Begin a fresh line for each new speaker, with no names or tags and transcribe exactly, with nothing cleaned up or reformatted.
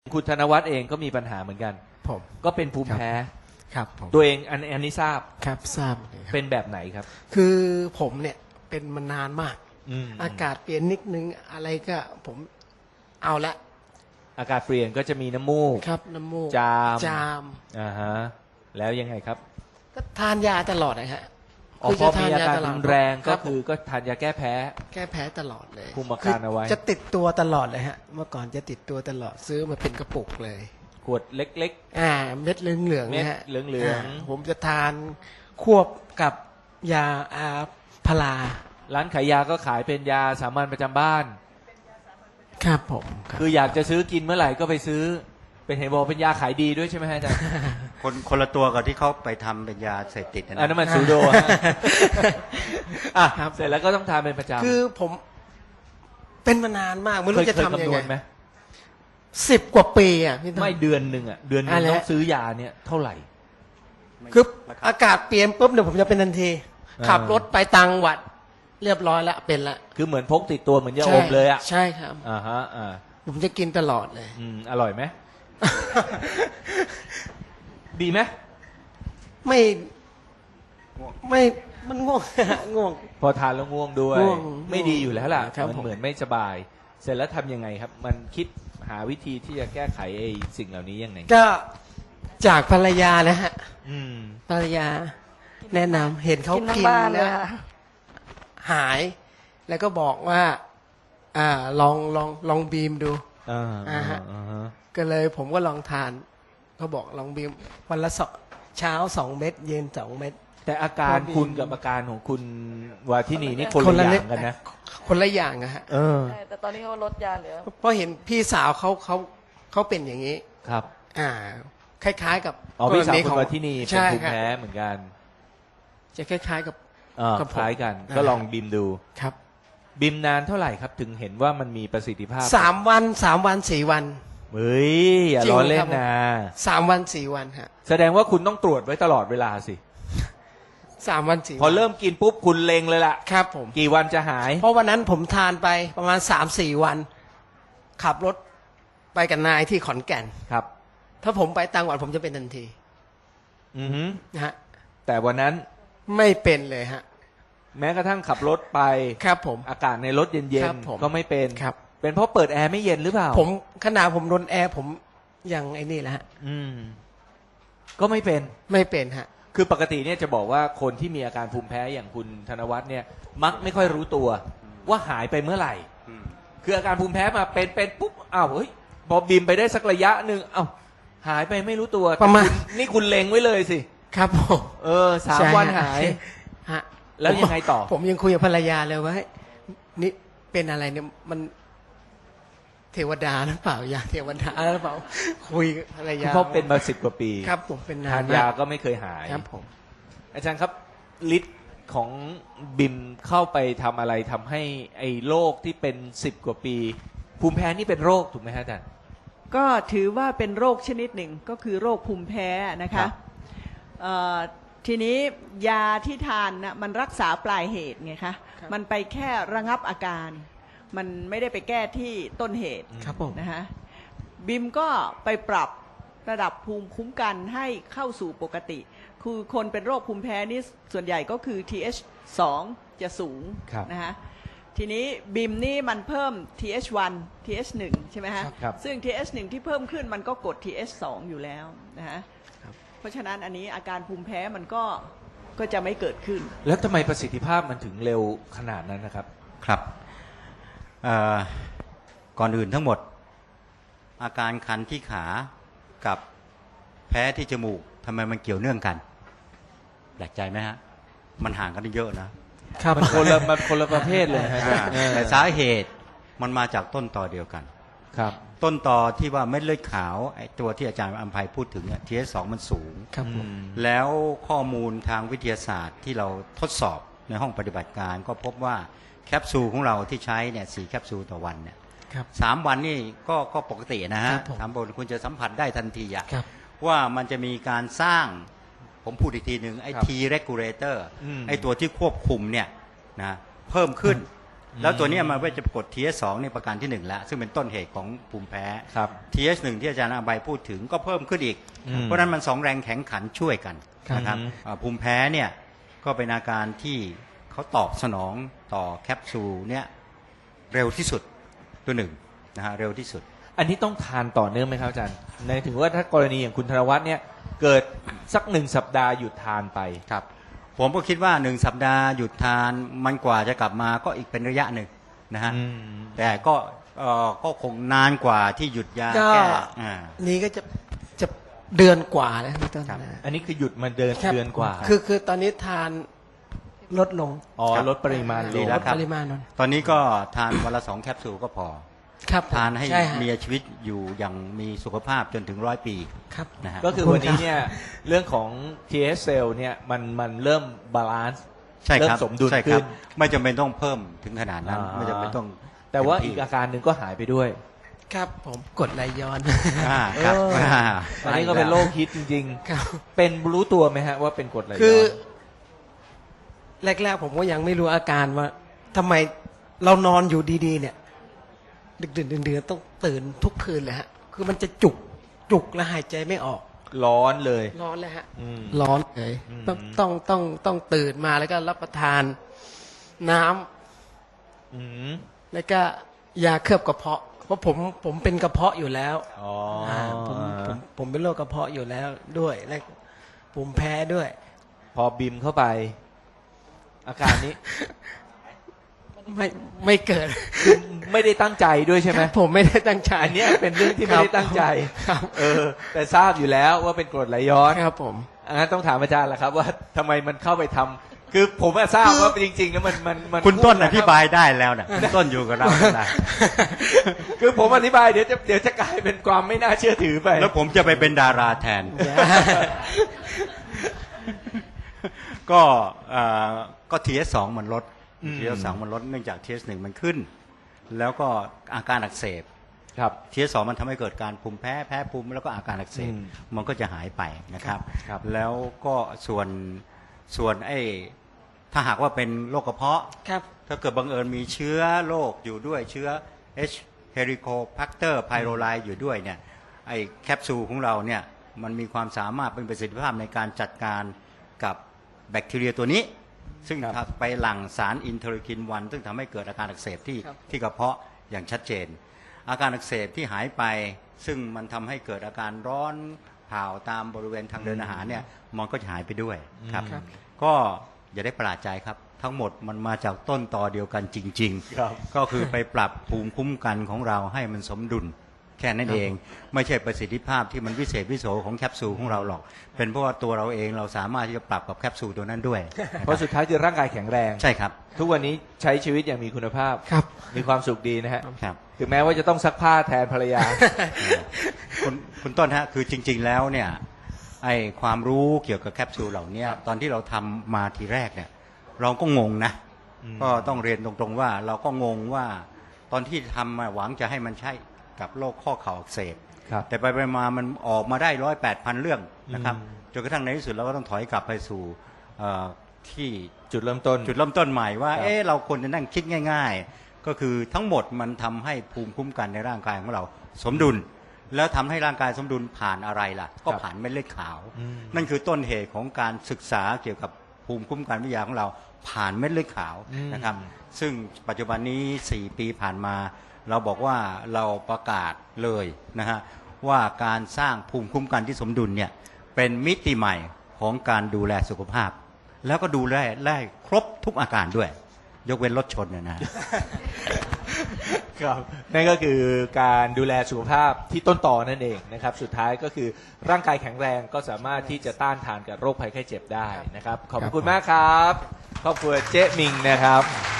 คุณธนวัฒน์เองก็มีปัญหาเหมือนกัน
ผม
ก็เป็นภูมิแพ้
ครับผม
ตัวเองอันอันนี้ทราบ
ครับทราบเลยครับ
เป็นแบบไหนครับ
คือผมเนี่ยเป็นมานานมาก
อืม
อากาศเปลี่ยนนิดนึงอะไรก็ผมเอาละ
อากาศเปลี่ยนก็จะมีน้ำมูก
ครับน้ำมูก
จาม
จาม
อ่าฮะแล้วยังไงครับ
ก็ทานยาตลอดนะฮะ
อ๋อพอมีอาการรุนแรงก็คือก็ทานยาแก้แพ้
แก้แพ้ตลอดเลย
คุมอาการเอาไว้
จะติดตัวตลอดเลยฮะเมื่อก่อนจะติดตัวตลอดซื้อมาเป็นกระปุกเลย
ขวดเล็ก
ๆอ่าเม็ดเหลืองๆ
เม็ด
นะฮะ
เหลือง
ๆผมจะทานควบกับยาอาพารา
ร้านขายยาก็ขายเป็นยาสามัญประจำบ้าน
ครับผม
คืออยากจะซื้อกินเมื่อไหร่ก็ไปซื้อเป็นเห็นบอกเป็นยาขายดีด้วยใช่ไหมฮะอาจารย์
คนคนละตัวกับที่เขาไปทำเป็นยาเสพติดนะ
อันนั้นมันซูโดอ่ะเสร็จแล้วก็ต้องทานเป็นประจำ
คือผมเป็นมานานมากไม่รู้จะทำยังไงสิบกว่าปีอ่ะพี่
ไม่เดือนหนึ่งอ่ะเดือนนึงต้องซื้อยาเนี่ยเท่าไหร่
คืออากาศเปลี่ยนปุ๊บเนี่ยผมจะเป็นทันทีขับรถไปต่างจังหวัดเรียบร้อยแล้วเป็นละ
คือเหมือนพกติดตัวเหมือนยาอมเลยอ่ะ
ใช่ครับ
อ่าฮะอ่า
ผมจะกินตลอดเลย
อืมอร่อยไหมดีไหม
ไม่ไม่มันง่วงง่วง
พอทานแล้วง่วงด้วยไม่ดีอยู่แล้วล่ะมันเหมือนไม่สบายเสร็จแล้วทำยังไงครับมันคิดหาวิธีที่จะแก้ไขไอ้สิ่งเหล่านี้ยังไง
ก็จากภรรยานะฮะภรรยาแนะนำเห็นเขากินนะหายแล้วก็บอกว่าอ่าลองลองลองบีมดูอ่าฮะก็เลยผมก็ลองทานเขาบอกลองบีมวันละสองเช้าสองเม็ดเย็นสองเม็ด
แต่อาการคุณกับอาการของคุณวาทินีนี่คนละอย่างกันนะ
คนละอย่างอะฮะ
แต่ตอนนี้เขาลดยาเหลือ
เพราะเห็นพี่สาวเขาเขาเขาเป็นอย่างนี้
ครับ
อ่าคล้ายๆกับ
อ๋อพี่สาวคุณวาทินีเป็นภูมิแพ้เหมือนกัน
จะคล้ายๆกับ
คล้ายกันก็ลองบิมดู
ครับ
บิมนานเท่าไหร่ครับถึงเห็นว่ามันมีประสิทธิภาพ
สามวันสามวันสี่วัน
เฮ้ยอย่าล้อเล่นนะ
สามวันสี่วันฮะ
แสดงว่าคุณต้องตรวจไว้ตลอดเวลาสิ
สามวันสี่
พอเริ่มกินปุ๊บคุณเล็งเลยล่ะ
ครับผม
กี่วันจะหาย
เพราะวันนั้นผมทานไปประมาณสามสี่วันขับรถไปกับนายที่ขอนแก่น
ครับ
ถ้าผมไปต่างจังหวัดผมจะเป็นทันที
อือฮึ
นะฮะ
แต่วันนั้น
ไม่เป็นเลยฮะ
แม้กระทั่งขับรถไป
ครับผม
อากาศในรถเย็นๆก็ไม่เป็น
ครับ
เป็นเพราะเปิดแอร์ไม่เย็นหรือเปล่า
ผมขนาดผมโดนแอร์ผมยังไอ้นี่แหละฮะ
อืมก็ไม่เป็น
ไม่เป็นฮะ
คือปกติเนี่ยจะบอกว่าคนที่มีอาการภูมิแพ้อย่างคุณธนวัฒน์เนี่ยมักไม่ค่อยรู้ตัวว่าหายไปเมื่อไหร่คืออาการภูมิแพ้มาเป็นเป็นปุ๊บอ้าวเฮ้ยพอบิมไปได้สักระยะหนึ่งอ้าวหายไปไม่รู้ตัว
ประมาณ
นี่คุณเล็งไว้เลยสิ
ครับผม
เออสามวันหาย
ฮะ
แล้วยังไงต่อ
ผมยังคุยกับภรรยาเลยว่านี่เป็นอะไรเนี่ยมันเทวดาหรือเปล่ายาเทวดาหรือเปล่าคุยกับภรรยา
เพราะเป็นมาสิบกว่าปี
ครับผมเป็น
ทานยาก็ไม่เคยหาย
ครับผม
อาจารย์ครับฤทธิ์ของบิมเข้าไปทำอะไรทำให้ไอ้โรคที่เป็นสิบกว่าปีภูมิแพ้นี่เป็นโรคถูกไหมฮะอาจารย์
ก็ถือว่าเป็นโรคชนิดหนึ่งก็คือโรคภูมิแพ้นะคะทีนี้ยาที่ทานนะมันรักษาปลายเหตุไงคะมันไปแค่ระงับอาการมันไม่ได้ไปแก้ที่ต้นเหตุนะคะบิมก็ไปปรับระดับภูมิคุ้มกันให้เข้าสู่ปกติคือคนเป็นโรคภูมิแพ้นี่ส่วนใหญ่ก็คือ ที เอช สอง จะสูงนะคะทีนี้บิมนี่มันเพิ่ม ที เอช วัน ที เอช หนึ่ง ใช่ไหมฮะซึ่ง ที เอช หนึ่ง ที่เพิ่มขึ้นมันก็กด ที เอช สอง อยู่แล้วนะฮะเพราะฉะนั้นอันนี้อาการภูมิแพ้มันก็ก็จะไม่เกิดขึ้น
แล้วทำไมประสิทธิภาพมันถึงเร็วขนาดนั้นนะครับ
ครับก่อนอื่นทั้งหมดอาการคันที่ขากับแพ้ที่จมูกทำไมมันเกี่ยวเนื่องกันแปลกใจไหมฮะมันห่างกันเยอะนะครับ
มันคนละมันคนละประเภทเลยฮะ
แต่สาเหตุมันมาจากต้นตอเดียวกัน
ครับ
ต้นตอที่ว่าเม็ดเลือดขาวไอ้ตัวที่อาจารย์อัมภัยพูดถึงเนี่ย ที เอช สอง มันสูง
ครับ
แล้วข้อมูลทางวิทยาศาสตร์ที่เราทดสอบในห้องปฏิบัติการก็พบว่าแคปซูลของเราที่ใช้เนี่ยสี่แคปซูลต่อวันเนี่ยสามวันนี่ก็ก็ปกตินะฮะสามวันคุณจะสัมผัสได้ทันทีอะว่ามันจะมีการสร้างผมพูดอีกทีหนึ่งไอ้ T regulator ไอ้ตัวที่ควบคุมเนี่ยนะเพิ่มขึ้นแล้วตัวเนี้ยมันก็จะกด ที เอส สองในประการที่หนึ่งแล้วซึ่งเป็นต้นเหตุของภูมิแพ้
ครับ
ที เอส หนึ่งที่อาจารย์อาใบพูดถึงก็เพิ่มขึ้นอีก
อืม
เพราะฉะนั้นมันสองแรงแข็งขันช่วยกันนะครับ
อืม
อ่าภูมิแพ้เนี่ยก็เป็นอาการที่เขาตอบสนองต่อแคปซูลเนี่ยเร็วที่สุดตัวหนึ่งนะฮะเร็วที่สุด
อันนี้ต้องทานต่อเนื่องไหมครับอาจารย์ในถึงว่าถ้ากรณีอย่างคุณธนวัฒน์เนี่ยเกิดสักหนึ่งสัปดาห์หยุดทานไป
ครับผมก็คิดว่าหนึ่งสัปดาห์หยุดทานมันกว่าจะกลับมาก็อีกเป็นระยะหนึ่งนะฮะ
อืม
แต่ก็เอ่อก็คงนานกว่าที่หยุดยา
ก็
แก้อ่า
นี่ก็จะจะเดือนกว่าแล้วพี่ต้น
ครับ
นะ
อันนี้คือหยุดมาเดิน
ครับ
เดือนกว่า
คือคือตอนนี้ทานลดลง
อ๋อ
ครับ
ลดปริมาณล
ดี
ง
แล้
ล
ว
ด
ครับ
ปริมาณลง
ตอนนี้ก็ทานวันละสองแคปซูลก็พอ
ครับ
ทานให้
ช่ฮะ
มีชีวิตอยู่อย่างมีสุขภาพจนถึงร้อยปี
ครับ
นะฮะ
ก็คือวันนี้เนี่ยเรื่องของ ที เอส cell เนี่ยมันมันเริ่มบาลานซ์
ใช่
เริ่
ครับ
มสมดุล
ใช่ค
ขึ้
รับ
น
ไม่จำเป็นต้องเพิ่มถึงขนาดนั้น
อ่า
ไม่จำเป็นต้อง
แต่ว่า
เต็ม
อี
ที่
กอาการหนึ่งก็หายไปด้วย
ครับผมกดไหลย้อน
อ่าครับ
เออ
อ่า
อันนี้ก็เป็นโรคฮิตจริง
ครับ
ๆ เป็นรู้ตัวไหมฮะว่าเป็นกรดไหลย้อน
คือแรกๆผมก็ยังไม่รู้อาการว่าทำไมเรานอนอยู่ดีๆ เนี่ย ดึกๆดื่นๆต้องตื่นทุกคืนเลยฮะ คือมันจะจุกจุกและหายใจไม่ออก
ร้อนเลย
ร้อนเลยฮะ
อืม
ร้อนเลย
อืม
ต้องต้องต้องต้องตื่นมาแล้วก็รับประทานน้ำ
อืม
แล้วก็ยาเคลือบกระเพาะ เพราะผมผมเป็นกระเพาะอยู่แล้ว
อ๋อ
อ่าผมผมผมเป็นโรคกระเพาะอยู่แล้วด้วยและภูมิแพ้ด้วย
พอบิมเข้าไป อาการนี้
ไม่ไม่เกิด
ไม่ได้ตั้งใจด้วยใช่ไหม
ครับผมไม่ได้ตั้งใจ
อันเนี้ยเป็นเรื่องที่ไม่ได้ตั้งใจ
ครับ
เออ แต่ทราบอยู่แล้วว่าเป็นกรดไหลย้อน
ครับผม
อันนั้นต้องถามอาจารย์แหละครับ ว่าทำไมมันเข้าไปทำคือผมอะทราบว่าจริงๆแล้วมันมันมัน
คุณต้นอ
พูดะ
ธิบายได้แล้วนะคุณต้นอยู่กับเราได้
คือผมอธิบายเดี๋ยวจะเดี๋ยวจะกลายเป็นความไม่น่าเชื่อถือไป
แล้วผมจะไปเป็นดาราแทน ก็เอ่อก็ ที เอส สอง มันลด
อืม
ที เอส สอง มันลดเนื่องจาก ที เอส หนึ่ง มันขึ้น แล้วก็อาการอักเสบ
ครับ
ที เอส สอง มันทำให้เกิดการภูมิแพ้แพ้ภูมิแล้วก็อาการอักเสบ
อืม
มันก็จะหายไปนะครับ
ครับ
แล้วก็ส่วนส่วนไอ้ถ้าหากว่าเป็นโรคกระเพาะ
ครับ
ถ้าเกิดบังเอิญมีเชื้อโรคอยู่ด้วยเชื้อ H. helicobacter pylori อยู่ด้วยเนี่ยไอ้แคปซูลของเราเนี่ยมันมีความสามารถเป็นประสิทธิภาพในการจัดการกับแบคทีเรียตัวนี้ ซึ่ง
ครับ
ไปหลั่งสารอินเทอร์คินวันซึ่งทำให้เกิดอาการอักเสบที่
ครับ
ที่กระเพาะอย่างชัดเจน อาการอักเสบที่หายไป ซึ่งมันทำให้เกิดอาการร้อนเผาตามบริเวณทางเดินอาหารเนี่ยมันก็จะหายไปด้วยครับ
ครับ
ก็อย่าได้ประหลาดใจครับ ทั้งหมดมันมาจากต้นตอเดียวกันจริง
ครับ
ๆ ก็คือไปปรับภูมิคุ้มกันของเราให้มันสมดุลแค่นั้นเอง ไม่ใช่ประสิทธิภาพที่มันวิเศษวิโสของแคปซูลของเราหรอก เป็นเพราะว่าตัวเราเองเราสามารถที่จะปรับกับแคปซูลตัวนั้นด้วย
เพราะสุดท้ายคือร่างกายแข็งแรง
ใช่ครับ
ทุกวันนี้ใช้ชีวิตอย่างมีคุณภาพ
ครับ
มีความสุขดีนะฮะ
ครับ
ถึงแม้ว่าจะต้องซักผ้าแทนภรรยา
คุณคุณต้นฮะคือจริง ๆ แล้วเนี่ยไอความรู้เกี่ยวกับแคปซูลเหล่านี้ตอนที่เราทำมาทีแรกเนี่ยเราก็งงนะ
อืม
ก็ต้องเรียนตรงๆว่าเราก็งงว่าตอนที่ทำมาหวังจะให้มันใช่กับโรคข้อเข่าอักเสบ
ครับ
แต่ไปไปมามันออกมาได้ร้อยแปดพันเรื่องนะครับ
อืม
จนกระทั่งในที่สุดเราก็ต้องถอยกลับไปสู่เอ่อที่
จุดเริ่มต้น
จุดเริ่มต้นใหม่ว่า
ครับ
เอ๊ะเราควรจะนั่งคิดง่าย ๆ ก็คือทั้งหมดมันทำให้ภูมิคุ้มกันในร่างกายของเราสมดุล แล้วทำให้ร่างกายสมดุลผ่านอะไรล่ะ ก็ผ่านเม็ดเลือดขาว
อืม
นั่นคือต้นเหตุของการศึกษาเกี่ยวกับภูมิคุ้มกันวิทยาของเราผ่านเม็ดเลือดขาว
อืม
นะครับ ซึ่งปัจจุบันนี้สี่ปีผ่านมา เราบอกว่าเราประกาศเลยนะฮะว่าการสร้างภูมิคุ้มกันที่สมดุลเนี่ยเป็นมิติใหม่ของการดูแลสุขภาพ แล้วก็ดูแลได้ครบทุกอาการด้วย ยกเว้นรถชนเนี่ยนะ
ครับนั่นก็คือการดูแลสุขภาพที่ต้นต่อนั่นเองนะครับ สุดท้ายก็คือร่างกายแข็งแรงก็สามารถที่จะต้านทานกับโรคภัยไข้เจ็บได้นะครับ ขอบพระคุณมากครับครอบครัวเจ๊มิงนะครับ